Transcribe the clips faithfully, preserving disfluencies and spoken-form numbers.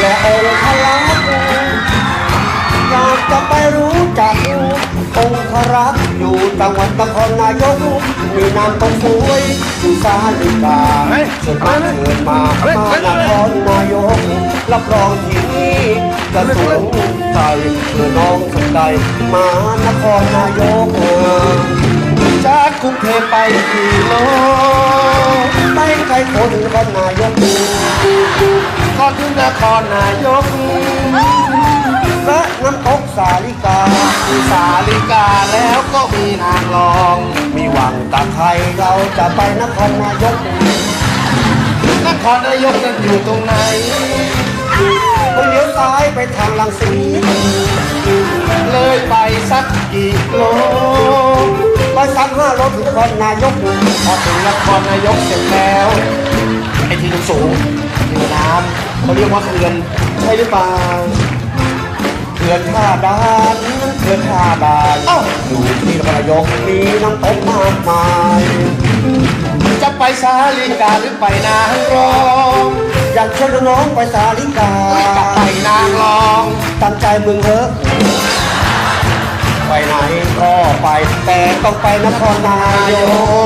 และองค์พระลักษณ์อยากจะไปรู้จักองค์พระรักษ์อยู่จังหวัดนครนายกมีนามต้องสวยอยู่สาลิกาเชิญมาเชิญมามานครนายกรับรองที่นี่จะสูงใจเมื่อน้องสนใจมานครนายกจากกรุงเทพไปกี่โลไปไกลคนนครนายกก่อนถึงนครนายกและน้ำตกสาลิกาสาลิกาแล้วก็มีนางรองมีหวังตาไทยเราจะไปนครนายกนครนายกนั้นอยู่ตรงไหนก็เลี้ยวซ้ายไปทางลังสีเลยไปสักกี่โลไปสักห้าโลถึงนครนายกพอถึงนครนายกเสร็จแล้วไอ้ที่สูงที่น้ำเขาเรียกว่าเขื่อนใช่หรือเปล่าเขื่อนท่าดานเขื่อนท่าดานอยู่ที่นครนายกมีน้ำตกมากมายจะไปสาลิกาหรือไปนางรองอยากชวนน้องไปสาลิกาไปนางรองตั้งใจมึงเถอะไปไหนก็ไปแต่ต้องไปนครนายก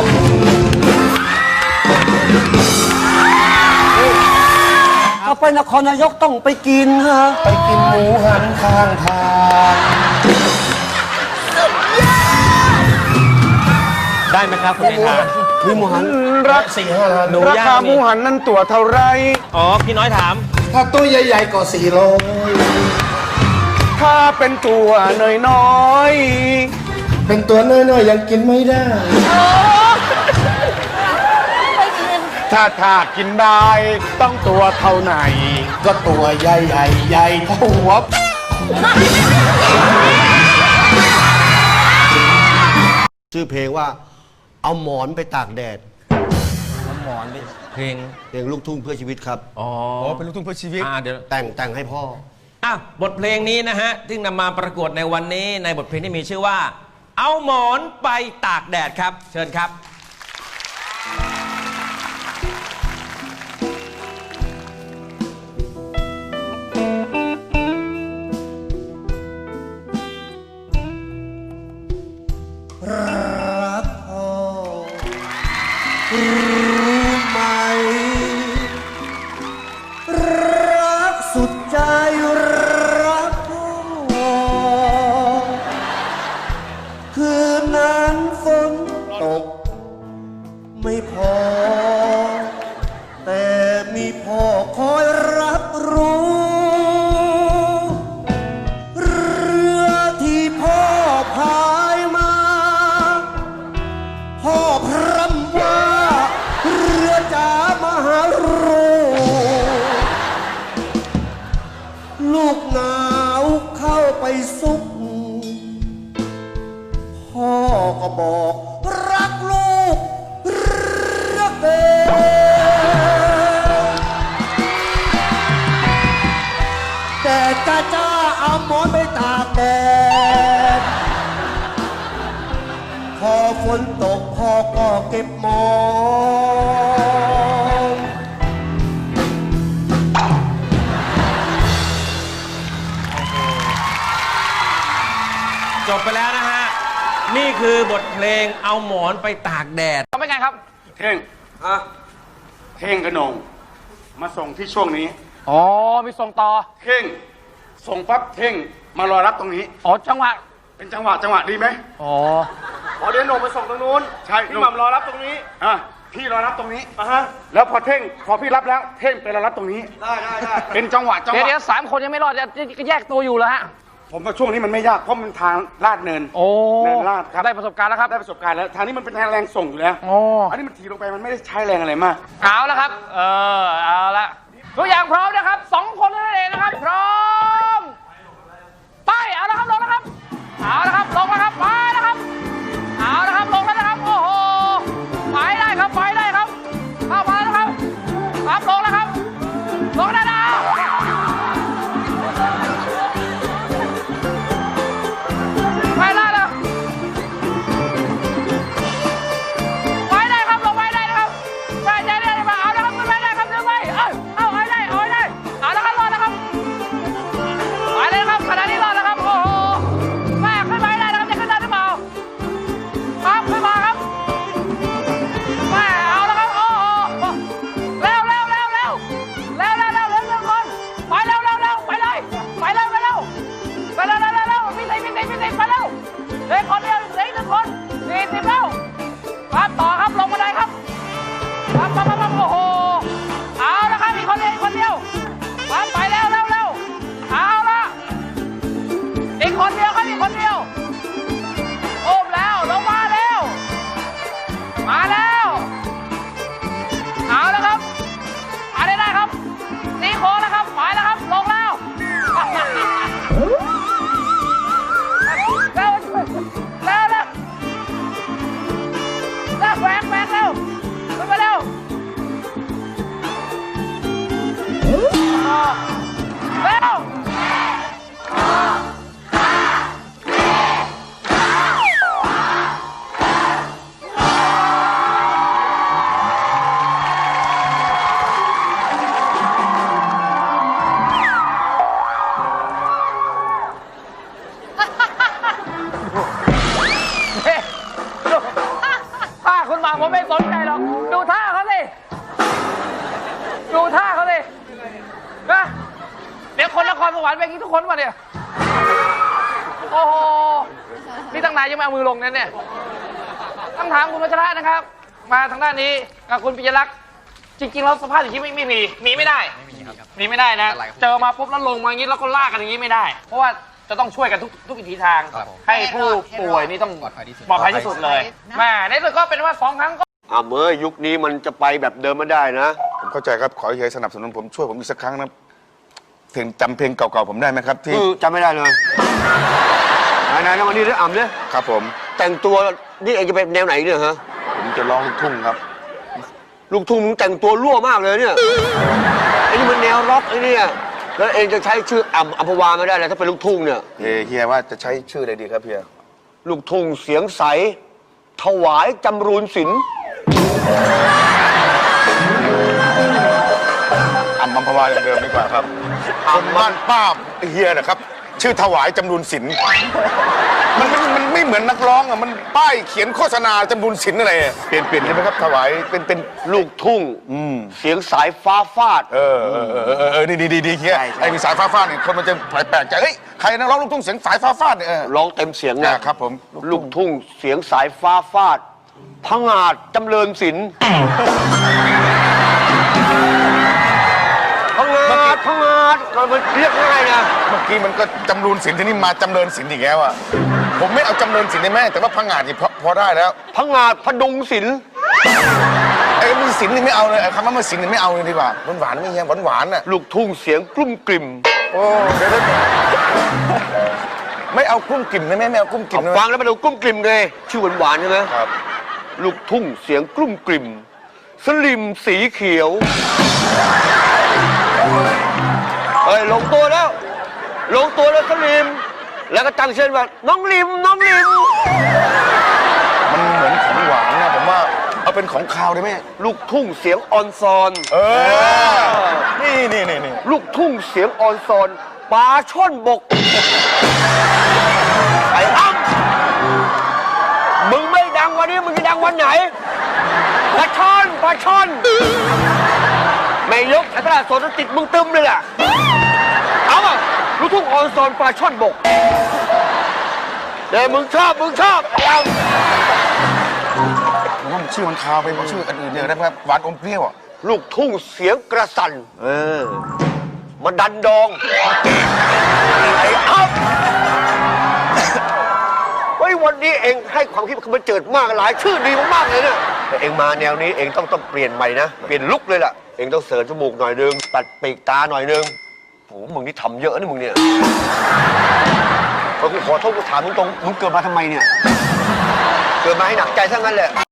ถ้าไปนครนายกต้องไปกินฮะไปกินหมูหันข้างทางได้ไหมครับคุณเมธามีหมูหันรักสี่ห้าล้านราคาหมูหันนั้นตัวเท่าไรอ๋อพี่น้อยถามถ้าตัวใหญ่ๆก็สี่โลถ้าเป็นตัวน้อยๆเป็นตัวน้อยๆยังกินไม่ได้ถ้าถากินได้ต้องตัวเท่าไหนก็ตัวใหญ่ใหญ่ใหญ่เท่าหัวชื่อเพลงว่าเอาหมอนไปตากแดดเอาหมอนไปเพลงเพลงลูกทุ่งเพื่อชีวิตครับอ๋อเป็นลูกทุ่งเพื่อชีวิตอ่าเดี๋ยวแต่งแต่งให้พ่ออ่ะบทเพลงนี้นะฮะที่นำมาประกวดในวันนี้ในบทเพลงที่มีชื่อว่าเอาหมอนไปตากแดดครับเชิญครับรักพ่อรู้ไหมรักสุดใจรักพ่อคืนนั้นฝนตกไม่พอแต่มีพ่อคอยรับรู้เรือที่พ่อพายมาพ่อพร่ำว่าเรือจ๋ามหารูลูกหนาวเข้าไปซุกพ่อก็บอกรักลูกรักเด็แต่จ้าจ้าเอาหมอนไปตากแดดพอฝนตกพ่อก็เก็บหมอนจบไปแล้วนะฮะนี่คือบทเพลงเอาหมอนไปตากแดดทำไมไงครับเท่งอะเท่งกระนงมาส่งที่ช่วงนี้อ๋อมีส่งต่อเท่งส่งปั๊บเท่งมารอรับตรงนี้อ๋อจังหวะเป็นจังหวะจังหวะดีไหมอ๋อพอเดี๋ยวหนงไปส่งตรงนู้นใช่พี่หม่ำรอรับตรงนี้อ่ะพี่รอรับตรงนี้อ่ะฮะแล้วพอเท่งพอพี่รับแล้วเท่งไปรอรับตรงนี้ได้ได้ได้เป็นจังหวะจังหวะเดี๋ยวสามคนยังไม่รอดจะแยกตัวอยู่แล้วฮะผมว่าช่วงนี้มันไม่ยากเพราะมันทางลาดเนินโอ้เนินลาดครับได้ประสบการณ์แล้วครับได้ประสบการณ์แล้วทางนี้มันเป็นแรงส่งอยู่แล้วโอ้อันนี้มันถีลงไปมันไม่ได้ใช้แรงอะไรมากเอาแล้วครับเออเอาละตัวอย่างพร้อมนะครับสองคนนั่นเองนะครับพร้อมไปเอาละครับลงแล้วครับเอาละครับลงแล้วครับไปนะครับเอาละครับลงแล้วนะครับโอ้โหไปได้ครับไปได้ครับเข้ามาแล้วครับครับลงแล้วครับลงได้แล้วไปได้แล้วไปได้ครับลงไปได้นะครับไปใจได้มาเอาละครับขึ้นไปได้ครับขึ้นไปเอ้ยเอาเร็วท่าคุณหมาผมไม่สนใจหรอก ดูท่าเขาสิ ดูท่าเขาสินะเดี๋ยวคนนครสวรรค์ไปกินทุกคนมาเนี่ย โอ้โห นี่ตั้งนานยังไม่เอามือลงนั่นเนี่ยต้องถามคุณวัชระนะครับ มาทางด้านนี้กับคุณปิยลักษณ์จริงๆแล้วสภาพอย่างนี้ไม่ไม่มีหนีไม่ได้ไม่มีครับหนีไม่ได้นะ เจอมาปุ๊บแล้วลงมาอย่างนี้แล้วก็ลากกันอย่างนี้ไม่ได้ เพราะว่าจะต้องช่วยกันทุกทุกวิถีทาง ให้ผู้ป่วยนี่ต้องปลอดภัยที่สุดปลอดภัยที่สุดเลยแม่ในสุดก็เป็นว่าสองครั้งก็อ่าเมื่อยุคนี้มันจะไปแบบเดิมไม่ได้นะผมเข้าใจครับ ขอให้สนับสนุนผมช่วยผมอีกสักครั้งนะถึงจำเพลงเก่าๆผมได้ไหมครับที่คือจำไม่ได้เลยไหนๆนะวันนี้ได้อ่ำเนี่ยครับผมแต่งตัวนี่เองจะเป็นแนวไหนเนี่ยฮะผมจะร้องลูกทุ่งครับลูกทุ่งมึงแต่งตัวรั่วมากเลยเนี่ยไอ้นี่มันแนวร็อกไอ้เนี่ยแล้วเองจะใช้ชื่ออ่ำอัมพวาไม่ได้เลยถ้าเป็นลูกทุ่งเนี่ยเฮียเฮียว่าจะใช้ชื่ออะไรดีครับเฮียลูกทุ่งเสียงใส ถวายจำรูนศิลป์อัมพัมพวาอย่างเดิมดีกว่าครับคนบ้านป้าเฮียนะครับ ชื่อถวายจำรูนศิลป์มันมันมันไม่เหมือนนักร้องอ่ะมันป้ายเขียนโฆษณาจำรูนศิลป์อะไรอะเปลี่ยนเปลี่ยนได้ไหมครับถวายเป็นเป็นลูกทุ่งอืมเสียงสายฟ้าฟาดเออเออเออเออเออนี่ดีดีดีเฮียใช่ใช่ไอ้มีสายฟ้าฟาดเนี่ยคนมันจะแปลกใจเฮ้ยใครนักร้องลูกทุ่งเสียงสายฟ้าฟาดเนี่ยเออร้องเต็มเสียงอ่านะครับผมลูกทุ่งเสียงสายฟ้าฟาดพงาดจำเริญศิลป์พงาดพงาดมันเรียกง่ายนะเมื่อกี้มันก็จำรูนศิลป์ที่นี่มาจำเริญศิลป์อีกแล้วอ่ะผมไม่เอาจำเริญศิลป์ได้ไหมแต่ว่าพังงาดนี่พอพอได้แล้วพงาดพดุงศิลป์ไอ้มีศิลป์นี่ไม่เอาเลยไอ้คำว่ามันศิลป์นี่ไม่เอาเลยดีกว่าหวานหวานๆไม่เฮียหวานหวานๆน่ะลูกทุ่งเสียงกลุ้มกลิ่มโอ้เดี๋ยวเดี๋ยวไม่เอากุ้มกลิ่มได้ไหมไม่เอากุ้มกลิ่มได้ไหมฟังแล้วมันดูกลุ้มกลิ่มเลยชื่อหวานๆใช่ไหมครับลูกทุ่งเสียงกลุ้มกลิ่มสลิมสีเขียวเฮ้ยลงตัวแล้ว ลงตัวแล้วสลิม แล้วก็ตั้งชื่อว่าน้องลิมน้องลิมมันเหมือนของหวานนะผมว่าเอาเป็นของคาวได้ไหมลูกทุ่งเสียงออนซอนเออนี่นี่นี่นี่ลูกทุ่งเสียงออนซอนปลาช่อนบกไอ้อ้ำมึงไม่ดังวันนี้มึงจะดังวันไหนปลาช่อนปลาช่อนไม่ยกไอ้ตลาดสดติดมึงตึมเลยล่ะเอาอ่ะลูกทุ่งออนซอนปลาช่อนบกเดี๋ยวมึงชอบมึงชอบเอาผมว่ามันชื่อมันคาวไปกว่าชื่ออื่นๆเนี่ยนะครับหวานอมเปรี้ยวอ่ะลูกทุ่งเสียงกระสันเออมาดันดองไอ้อ้ำเฮ้ยวันนี้เองให้ความคิดมันเจิดมากหลายชื่อดีมากๆเลยเนี่ยแต่เองมาแนวนี้เองต้องต้องเปลี่ยนใหม่นะเปลี่ยนลุคเลยล่ะเองต้องเสริมจมูกหน่อยนึงตัดปีกตาหน่อยนึงโอ้มึงนี่ทำเยอะนะมึงเนี่ยพอกูขอโทษกูถามตรงๆมึงเกิดมาทำไมเนี่ยเกิดมาให้หนักใจทั้งนั้นแหละ